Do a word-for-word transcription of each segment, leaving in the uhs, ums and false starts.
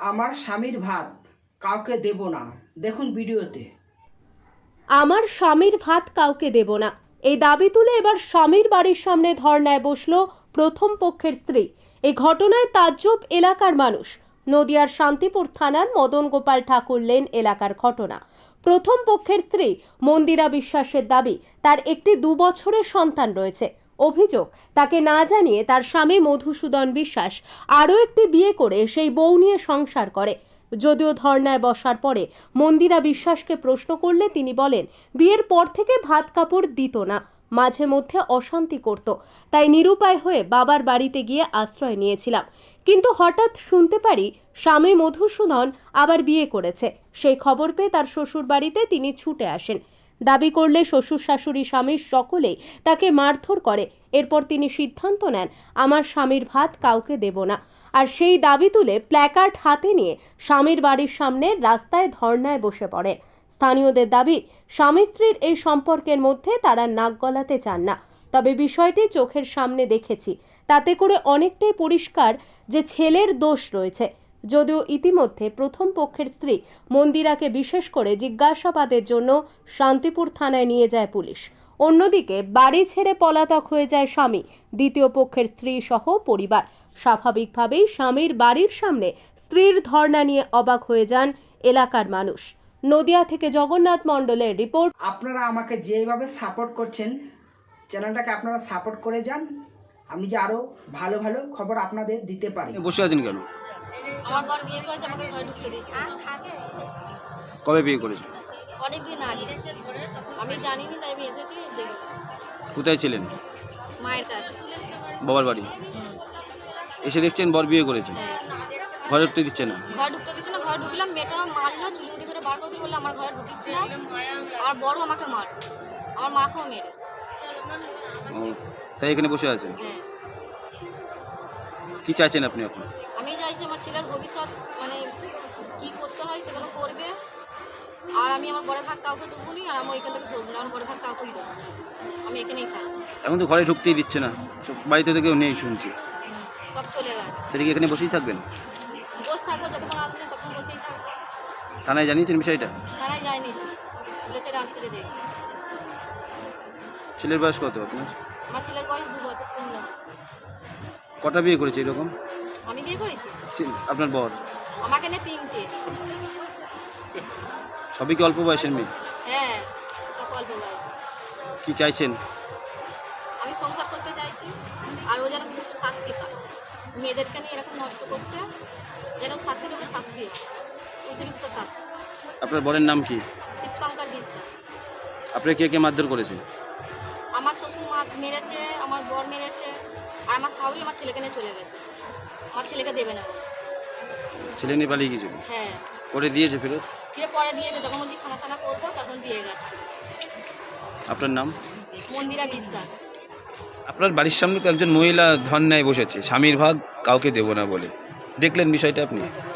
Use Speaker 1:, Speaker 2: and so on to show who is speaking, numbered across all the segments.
Speaker 1: আমার স্বামীর ভাত কাউকে দেব না, দেখুন ভিডিওতে।
Speaker 2: আমার স্বামীর ভাত কাউকে দেব না, এই দাবি তুলে এবার স্বামীর বাড়ির সামনে ধর্নায় বসলো প্রথম পক্ষের স্ত্রী। এই ঘটনায় তাজ্জব এলাকার মানুষ। নদিয়ার শান্তিপুর থানার মদন গোপাল ঠাকুর লেন এলাকার ঘটনা। প্রথম পক্ষের স্ত্রী মন্দিরা বিশ্বাসের দাবি, তার একটি দু বছরের সন্তান রয়েছে। অভিযোগ, তাকে না জানিয়ে তার স্বামী মধুসূদন বিশ্বাস আরও একটি বিয়ে করে সেই বউ নিয়ে সংসার করে। যদিও ধর্নায় বসার পরে মন্দিরা বিশ্বাসকে প্রশ্ন করলে তিনি বলেন, বিয়ের পর থেকে ভাত কাপড় দিত না, মাঝে মধ্যে অশান্তি করত, তাই নিরুপায় হয়ে বাবার বাড়িতে গিয়ে আশ্রয় নিয়েছিলাম। কিন্তু হঠাৎ শুনতে পারি স্বামী মধুসূদন আবার বিয়ে করেছে। সেই খবর পেয়ে তার শ্বশুর বাড়িতে তিনি ছুটে আসেন। দাবি করলে শ্বশুর শাশুড়ি স্বামীর সকলেই তাকে মারধর করে। এরপর তিনি সিদ্ধান্ত নেন, আমার স্বামীর ভাত কাউকে দেব না। আর সেই দাবি তুলে প্ল্যাকার্ড হাতে নিয়ে স্বামীর বাড়ির সামনে রাস্তায় ধর্নায় বসে পড়েন। স্থানীয়দের দাবি, স্বামী স্ত্রীর এই সম্পর্কের মধ্যে তারা নাক গলাতে চান না। তবে বিষয়টি চোখের সামনে দেখেছি, তাতে করে অনেকটাই পরিষ্কার যে ছেলের দোষ রয়েছে। যদিও ইতিমধ্যে প্রথম পক্ষের স্ত্রী মন্দিরাকে বিশেষ করে জিজ্ঞাসাবাদের জন্য শান্তিপুর থানায় নিয়ে যায় পুলিশ। অন্যদিকে বাড়ি ছেড়ে পলাতক হয়ে যায় স্বামী, দ্বিতীয় পক্ষের স্ত্রী সহ পরিবার। স্বাভাবিকভাবেই স্বামীর বাড়ির সামনে স্ত্রীর ধর্ণা নিয়ে অবাক হয়ে যান এলাকার মানুষ। নদিয়া থেকে জগন্নাথ মণ্ডলের রিপোর্ট।
Speaker 1: আপনারা আমাকে যেভাবে সাপোর্ট করছেন, চ্যানেলটাকে আপনারা সাপোর্ট করে যান, আমি যে আরও ভালো ভালো খবর আপনাদের দিতে পারি।
Speaker 3: বসে আছেন কেন?
Speaker 4: আমার বর বিয়ে করেছে, আমাকে ঘরে ঢুকতে দিচ্ছে না।
Speaker 3: কবে বিয়ে করেছেন?
Speaker 4: অনেকদিন আগে, আমি জানিনি, তাই আমি এসেছি দেখেছি।
Speaker 3: কোথায় ছিলেন?
Speaker 4: মায়ের কাছে।
Speaker 3: বাবার বাড়ি এসে দেখছেন বর বিয়ে করেছে,
Speaker 4: হ্যাঁ,
Speaker 3: ঘরে ঢুকতে দিচ্ছে না।
Speaker 4: ঘরে ঢুকতে দিচ্ছে না। ঘরে ঢুকলাম, মেয়েটা মারলো, চুলুমুটি করে বার করে দিল, বললে আমার ঘরে ঢুকিস না। আর বড় আমাকে মার, আমার মাকেও মেরে।
Speaker 3: ও, তাই এখানে বসে আছেন।
Speaker 4: হ্যাঁ,
Speaker 3: কি চাইছেন আপনি এখন?
Speaker 4: আমি চাইছি আমার ছেলের ভবিষ্যৎ, মানে কি করতে হয় সেগুলো করবে। আর আমি আমার বড় ভাগ কাউকে দেবো নি, আর আমি এখান থেকে সরবো না, আমার বড় ভাগ কাউকেই দেবো। আমি এখানেই থাকবো।
Speaker 3: এখন তো ঘরে ঢুকতেই দিচ্ছে না, সব বাড়িতে তো কেউ নেই শুনছি।
Speaker 4: সব চলে গেছে।
Speaker 3: তাহলে কি এখানে বসেই থাকবেন?
Speaker 4: বসে থাকবো, যতক্ষণ আসবে না তখন বসেই থাকবো।
Speaker 3: থানায় জানিয়েছেন বিষয়টা?
Speaker 4: থানায় যায়নি, বলেছে রাত্রে দেখ।
Speaker 3: ছেলের বয়স কত আপনার?
Speaker 4: আমার ছেলের বয়স দু বছর পূর্ণ।
Speaker 3: কটা বিয়ে করেছে এরকম?
Speaker 4: আমি বিয়ে করেছি,
Speaker 3: ছে- আপনার বর?
Speaker 4: আমাকে নিয়ে তিনটে।
Speaker 3: সবই কি অল্প বয়সের মেয়ে?
Speaker 4: হ্যাঁ, সব অল্প বয়স।
Speaker 3: কি চাইছেন?
Speaker 4: আমি সংসার করতে চাইছি, আর ও যেন খুব শাস্তি পায়। মেয়েদেরকে নিয়ে এরকম নষ্ট করছে, যেন শাস্তির উপরে শাস্তি হয়, অতিরিক্ত শাস্তি।
Speaker 3: আপনার বরের নাম কি?
Speaker 4: শিবশঙ্কর বিশ্বাস।
Speaker 3: আপনার কে কে মারধর করেছে?
Speaker 4: আমার শ্বশুর মা মেরেছে, আমার বর মেরেছে, আর আমার শাশুড়ি আমার ছেলেকে নিয়ে চলে গেছে। আমার ছেলেকে দেবে না বলে।
Speaker 3: ছেলে নিয়ে পালিয়ে গিয়েছিল?
Speaker 4: হ্যাঁ,
Speaker 3: করে দিয়েছে ফেরত?
Speaker 4: ফিরে পরে দিয়েছে, যখন বলছি খানা খানা করবো তখন দিয়ে গেছে।
Speaker 3: আপনার নাম?
Speaker 4: মন্দিরা বিশ্বাস।
Speaker 3: আপনার বাড়ির সামনে তো একজন মহিলা ধর্নায় বসেছে, স্বামীর ভাগ কাউকে দেব না বলে। দেখলেন বিষয়টা আপনি?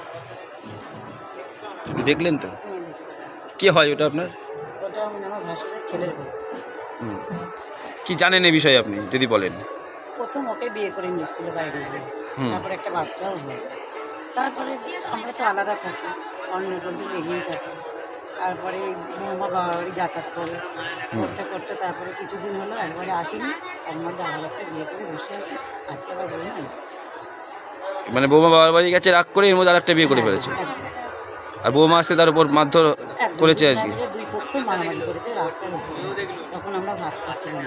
Speaker 3: দেখলেন তো? কে হয় ওটা আপনার?
Speaker 5: ওটা আমার ভাসুরের ছেলের বউ।
Speaker 3: হুম। কি জানেন এই বিষয়ে আপনি যদি বলেন?
Speaker 5: প্রথম ওকে বিয়ে করে নিয়েছিল বাইরে গিয়ে,
Speaker 3: হুম।
Speaker 5: তারপরে একটা বাচ্চাও হয়। তারপরে আমরা তো আলাদা থাকি, অন্য বন্ধু লেগেই থাকি। তারপরে বৌমা বাবা বাড়ি যাতায়াত করে, করতে করতে তারপরে কিছুদিন হলো একবারে আসেনি, তার মধ্যে আবার একটা বিয়ে করে বসে আছে। আজকে আবার বৌমা এসছে।
Speaker 3: মানে বৌমা বাবার বাড়ি গেছে, রাগ করে এর মধ্যে আর একটা বিয়ে করে ফেলেছে, আর বৌমা আসতে তার উপর মারধর
Speaker 5: একদম
Speaker 3: করেছে আজকে।
Speaker 5: দুই দুই পক্ষই মারামারি করেছে রাস্তার উপরে। তখন আমরা ভাত খাচ্ছিলাম।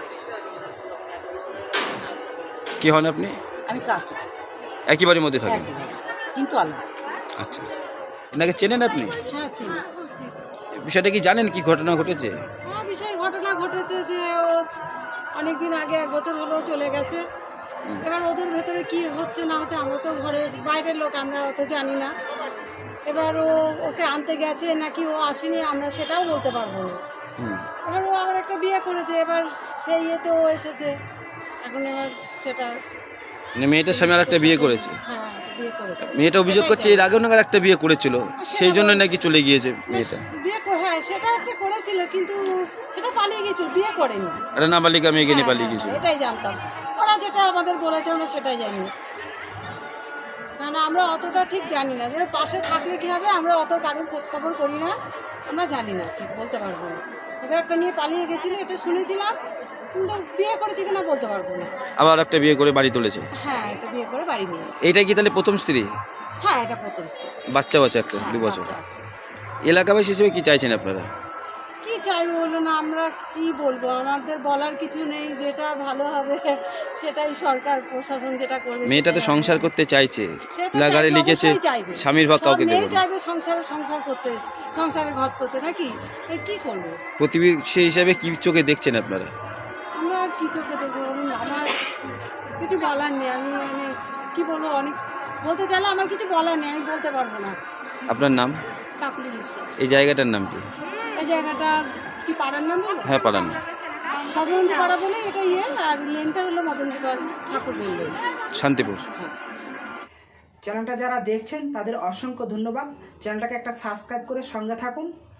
Speaker 3: কি হন আপনি?
Speaker 5: আমি কাকি,
Speaker 3: একই বাড়ির মধ্যে থাকেন?
Speaker 5: একেবারে, কিন্তু আলাদা।
Speaker 3: আচ্ছা, এনাকে চেনেন আপনি?
Speaker 6: হ্যাঁ, চিনি।
Speaker 3: বিষয়টা কি জানেন, কি ঘটনা ঘটেছে?
Speaker 6: হ্যাঁ, বিষয় ঘটনা ঘটেছে যে ও অনেক দিন আগে, এক বছর হলেও চলে গেছে। এবার ওদের ভেতরে কি হচ্ছে না হচ্ছে, আমরা তো ঘরের বাইরের লোক, আমরা অত জানি না। এবার ও ওকে আনতে গেছে নাকি ও আসেনি, আমরা সেটাও বলতে পারবো না।
Speaker 3: হুম।
Speaker 6: এবার ও আবার একটা বিয়ে করেছে, এবার সেই ইয়েতে ও এসেছে। এখন এবার সেটা,
Speaker 3: মানে মেয়েটার স্বামী আর একটা বিয়ে করেছে?
Speaker 6: হ্যাঁ, বিয়ে করেছে।
Speaker 3: মেয়েটা অভিযোগ করছে এর আগেও নাকি একটা বিয়ে করেছিল, সেই জন্য নাকি চলে গিয়েছে মেয়েটা।
Speaker 6: বিয়ে করে, হ্যাঁ, সেটা একটা করেছিল, কিন্তু সেটা পালিয়ে গেছিল, বিয়ে করেনি।
Speaker 3: আরে নাবালিকা মেয়েকে নিয়ে
Speaker 6: হ্যাঁ,
Speaker 3: পালিয়ে গিয়েছিল।
Speaker 6: এটাই জানতাম, ওরা যেটা আমাদের বলেছে আমরা সেটাই জানি। না না আমরা অতটা ঠিক জানি না, যে পাশে থাকলে কী হবে, আমরা অত কারোর খোঁজখবর করি না, আমরা জানি না, ঠিক বলতে পারবো না। এবার একটা নিয়ে পালিয়ে গেছিলো এটা শুনেছিলাম, কিন্তু বিয়ে করেছি কিনা বলতে পারবো না।
Speaker 3: আবার একটা বিয়ে করে বাড়ি তুলেছে।
Speaker 6: হ্যাঁ, এটা বিয়ে করে বাড়ি নিয়ে এসেছি।
Speaker 3: এইটাই কি তাহলে প্রথম স্ত্রী?
Speaker 6: হ্যাঁ, এটা প্রথম স্ত্রী।
Speaker 3: বাচ্চা বাচ্চা একটা
Speaker 6: হ্যাঁ,
Speaker 3: দু বছর।
Speaker 6: বাচ্চা আছে।
Speaker 3: এলাকাবাসী হিসেবে কি চাইছেন আপনারা?
Speaker 6: কি চাইবো বলো না, আমরা কি বলবো, আমাদের বলার কিছু নেই, যেটা ভালো হবে সেটাই সরকার প্রশাসন যেটা করবে।
Speaker 3: মেয়েটা তো
Speaker 6: সেটাই
Speaker 3: সংসার
Speaker 6: হবে।
Speaker 3: করতে চাইছে,
Speaker 6: সে তো
Speaker 3: লাগারে
Speaker 6: চাইবে,
Speaker 3: লিখেছে
Speaker 6: অবশ্যই চাইবে।
Speaker 3: স্বামীর ভাগ
Speaker 6: সব
Speaker 3: কাউকে দেব
Speaker 6: মেয়ে
Speaker 3: না।
Speaker 6: চাইবে সংসারে সংসার করতে, সংসারে ঘর করতে, নাকি এর কি করবো?
Speaker 3: প্রতিবেশী হিসাবে কি চোখে দেখছেন আপনারা?
Speaker 6: আমরা আর কি চোখে দেখবো বলুন, আমার কিছু বলার নেই, আমি মানে কি বলবো, অনেক বলতে চাইলে আমার কিছু বলার নেই, আমি বলতে পারবো না।
Speaker 3: আপনার নাম?
Speaker 6: কাকুলি বিশ্বাস।
Speaker 3: এই জায়গাটার নাম কি?
Speaker 6: এই জায়গাটা কি পাড়ার নাম বলো?
Speaker 3: হ্যাঁ, পালান।
Speaker 6: সবরঞ্জি পাড়া বলে এটা ইয়ে, আর লেনটা হলো মদনজি ঠাকুর লেন।
Speaker 3: শান্তিপুর।
Speaker 1: চ্যানেলটা যারা দেখছেন তাদের অসংখ্য ধন্যবাদ। চ্যানেলটাকে একটা সাবস্ক্রাইব করে সঙ্গে থাকুন।